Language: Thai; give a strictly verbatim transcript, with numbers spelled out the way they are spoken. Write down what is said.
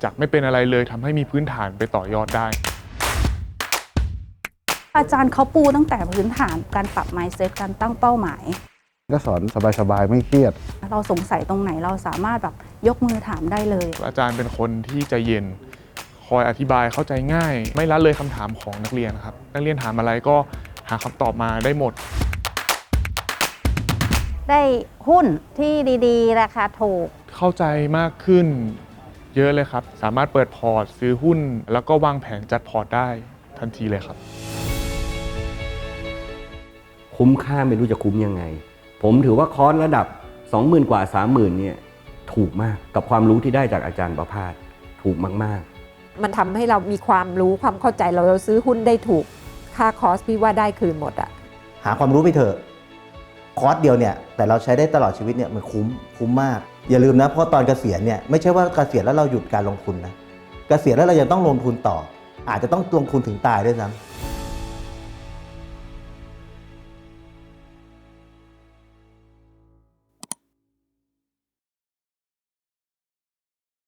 จากไม่เป็นอะไรเลยทำให้มีพื้นฐานไปต่อยอดได้อาจารย์เขาปูตั้งแต่พื้นฐานการปรับ mindset การตั้งเป้าหมายก็สอนสบายๆไม่เครียดเราสงสัยตรงไหนเราสามารถแบบยกมือถามได้เลยอาจารย์เป็นคนที่ใจเย็นคอยอธิบายเข้าใจง่ายไม่ละเลยคำถามของนักเรียนครับนักเรียนถามอะไรก็หาคำตอบมาได้หมดได้หุ้นที่ดีๆราคาถูกเข้าใจมากขึ้นเยอะเลยครับสามารถเปิดพอร์ตซื้อหุ้นแล้วก็วางแผนจัดพอร์ตได้ทันทีเลยครับคุ้มค่าไม่รู้จะคุ้มยังไงผมถือว่าคอร์สระดับ สองหมื่น กว่า สามหมื่น เนี่ยถูกมากกับความรู้ที่ได้จากอาจารย์ประภาสถูกมากๆมันทำให้เรามีความรู้ความเข้าใจเราเราซื้อหุ้นได้ถูกค่าคอร์สพี่ว่าได้คืนหมดอะหาความรู้ไปเถอะคอร์สเดียวเนี่ยแต่เราใช้ได้ตลอดชีวิตเนี่ยมันคุ้มคุ้มมากอย่าลืมนะเพราะตอนเกษียณเนี่ยไม่ใช่ว่าเกษียณแล้วเราหยุดการลงทุนนะเกษียณแล้วเรายังต้องลงทุนต่ออาจจะต้องลงทุนถึงตายด้วยซ้ำ